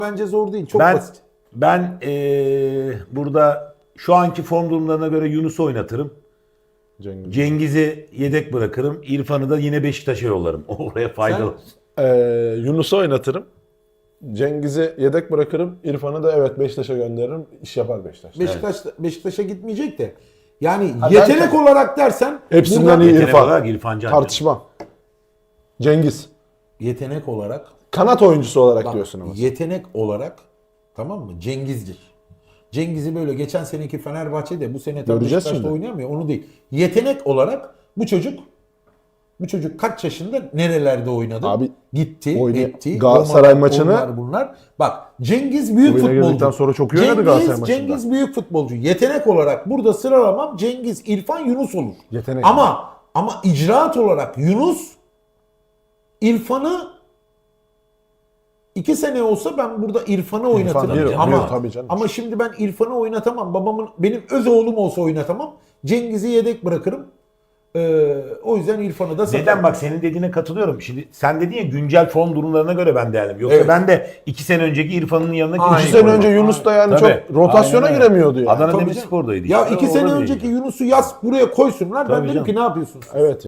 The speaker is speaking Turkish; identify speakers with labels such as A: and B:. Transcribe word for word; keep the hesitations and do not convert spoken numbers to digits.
A: bence zor değil. Çok
B: Ben
A: basit.
B: ben ee, burada şu anki form durumlarına göre Yunus'u oynatırım.
C: Cengiz.
B: Cengiz'i yedek bırakırım. İrfan'ı da yine Beşiktaş'a yollarım. Oraya faydalı.
C: Ee, Yunus'u oynatırım. Cengiz'i yedek bırakırım. İrfan'ı da evet Beşiktaş'a gönderirim. İş yapar Beşiktaş.
A: Beşiktaş Beşiktaş'a gitmeyecek de. Yani
C: Ha,
A: yetenek
C: belki-
A: olarak dersen
C: Hepsinden
A: buradan-
C: iyi
B: Yetenek
C: İrfan.
B: olarak İrfan Can.
C: Tartışmam. Cengiz.
A: yetenek olarak
C: Kanat oyuncusu olarak
A: bak,
C: diyorsun ama.
A: yetenek olarak tamam mı? Cengiz'dir. Cengiz'i böyle geçen seneki Fenerbahçe'de bu sene tam
C: Göreceğiz
A: Beşiktaş'ta
C: şimdi.
A: oynayamıyor. Onu değil. Yetenek olarak bu çocuk bu çocuk kaç yaşında nerelerde oynadı?
C: Abi,
A: gitti,
C: oynay-
A: etti.
C: Galatasaray
A: Onlar,
C: maçını-
A: onlar bunlar. Bak Cengiz büyük
C: Oyuna girdikten
A: futbolcu.
C: sonra çok iyi oynadı
A: Cengiz,
C: Galatasaray maçında.
A: Cengiz büyük futbolcu. Yetenek olarak burada sıralamam Cengiz, İrfan, Yunus olur.
C: Yetenek.
A: Ama ama icraat olarak Yunus İrfan'ı iki sene olsa ben burada İrfan'ı oynatırım.
C: bir,
A: ama
C: bir, tabii canım.
A: ama şimdi ben İrfan'ı oynatamam. Babamın benim öz oğlum olsa oynatamam. Cengiz'i yedek bırakırım. Ee, o yüzden İrfan'ı da satarım.
B: Neden bak senin dediğine katılıyorum. Şimdi sen dedin ya güncel form durumlarına göre ben değerlim. Yoksa
A: Evet.
B: ben de iki sene önceki İrfan'ın yanına
A: Aynen.
C: İki
B: kimseyi
C: sene
B: koymam.
C: önce Yunus da yani
B: Tabii.
C: çok rotasyona
B: Aynen öyle.
C: giremiyordu yani.
B: Adana
A: Tabii
B: Demirspor'daydı.
A: Ya
B: işte.
A: iki
B: O
A: sene
B: olabilir.
A: önceki Yunus'u yaz buraya koysunlar. Ben
B: Tabii
A: dedim ki
B: canım.
A: ne yapıyorsunuz?
C: Evet.